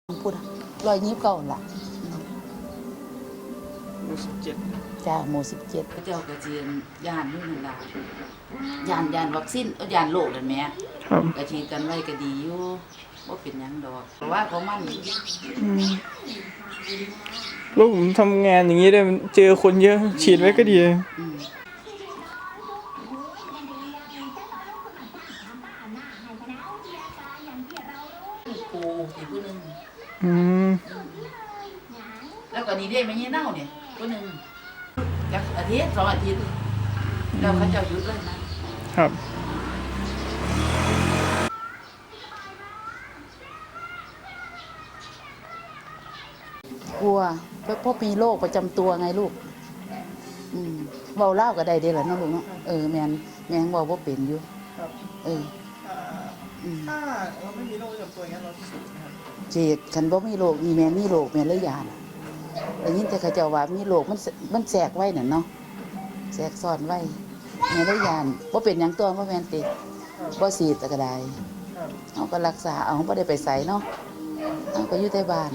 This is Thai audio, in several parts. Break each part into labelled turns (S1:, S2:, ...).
S1: พูด129ล่ะ
S2: หมู่17
S1: จ้าหมู่17
S3: เจ้าก็สิย่านอยู่นั่นล่ะย่านวัคซีนย่านโรคนั่นแหม
S2: ครับ
S3: ก็ฉีดกันไว้ก็ดีอยู่บ่เป็นหยังดอกเพราะว่าของมัน
S2: แล้วผมทำงานอย่างนี้ได้เจอคนเยอะฉีดไว้ก็ดี
S3: อืมปูอีกผู้หนึง
S2: อืม
S3: แล้วก็นี่เด้แม่ยี่เน่าเนี่ยผู้หนึงจักอาทิตย์2 อาทิตย์แล้วเขาเจ้าหยุดเลยนะครับ
S1: กลัวเพราะมีโรคประจำตัวไงลูกเว้าลาวก็ได้เด้ล่ะเนาะลูกเนาะแม่นเว้าบ่เป็นอยู่
S2: ครับถ้าเราไม่มีโรคประจำตัวอย่างนั้นเราฉีดนะครับ
S1: ฉีดคันบ่มีโรคมีแม่มีโรคแม่เลยยานได้ยินแต่เขาเจ้าว่ามีโรคมันแทรกไว้นั่นเนาะแทรกซ้อนไว้แม่เลยยานบ่เป็นหยังตัวบ่แม่นติบ่ฉีดแต่ก็ได้เฮาก็รักษาเอาบ่ได้ไปไสเนาะเฮาก็อยู่แต่บ้าน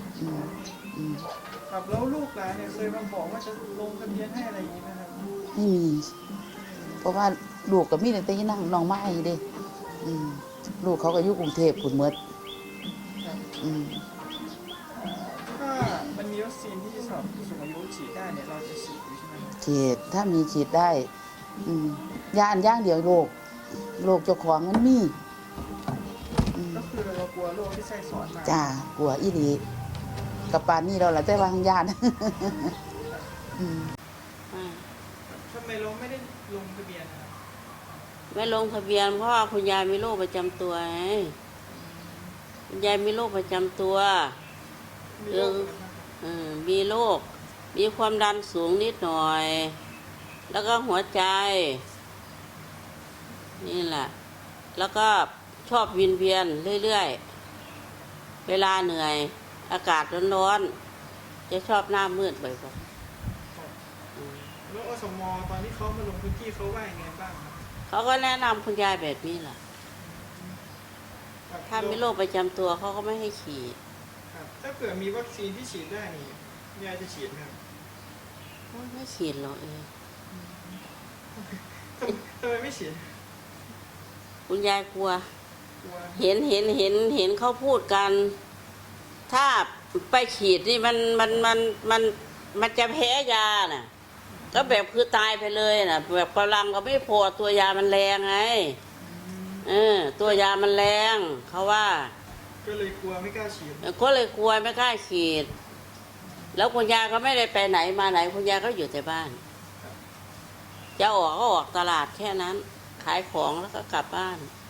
S2: ครับแล้วลูกหลานเนี่ยเคยมาบอกว่าจะลงทะเบียนให้อะไรอย่างนี้ไหมครับ
S1: ไม่มีเพราะว่าลูกก็มีตั้งแต่นั่งน้องไม้เด้ลูกเขาก็อยู่กรุงเทพพุ่นหมด
S2: ถ้ามันมีวัคซีนที่สำหรับผู้สูงอายุฉีดได้เนี่ยเราจะฉีดอยู่ใช่ไหมครับ
S1: ฉีดถ้ามีฉีดได้ยาอันย่างเดียวโรคเจ้าของมันมี
S2: ก็คือเรากลัวโรคที่แทรกซ้อนมา
S1: จ้ากลัวอีหลีกับปานนี้เราละแต่ว่าทางญาติ
S2: ทำไมเราไม่ได้ลงทะเบียนนะครับ
S4: ไม่ลงทะเบียนเพราะว่าคุณยายมีโรคประจำตัวไงคุณยายมีโรคประจำตัวมีโรคมีความดันสูงนิดหน่อยแล้วก็หัวใจนี่แหละแล้วก็ชอบวินเวียนเรื่อยๆเวลาเหนื่อยอากาศร้อนๆจะชอบหน้ามืดบ่อยๆ
S2: แล้วอสม.ตอนที่เขามาลงพื้นที่เขาว่ายังไงบ้างครับ
S4: เขาก็แนะนำคุณยายแบบนี้แหละถ้ามีโรคประจำตัวเขาก็ไม่ให้ฉีด
S2: ถ้าเกิดมีวัคซีนที่ฉีดได้นี่ยายจะฉีดไหมครับ
S4: ไม่ฉีดหรอก
S2: ทำไมไม่ฉีด
S4: คุณยายกลัวเห็นเขาพูดกันถ้าไปฉีดนี่มันจะแพ้ยาน่ะก็แบบคือตายไปเลยน่ะแบบกำลังก็ไม่พอตัวยามันแรงไงตัวยามันแรงเขาว่า
S2: ก็เลยกลัวไม่กล้าฉีด
S4: แล้วคุณยายก็ไม่ได้ไปไหนมาไหนคุณยายก็อยู่แต่บ้านจะออกก็ออกตลาดแค่นั้นขายของแล้วก็กลับบ้าน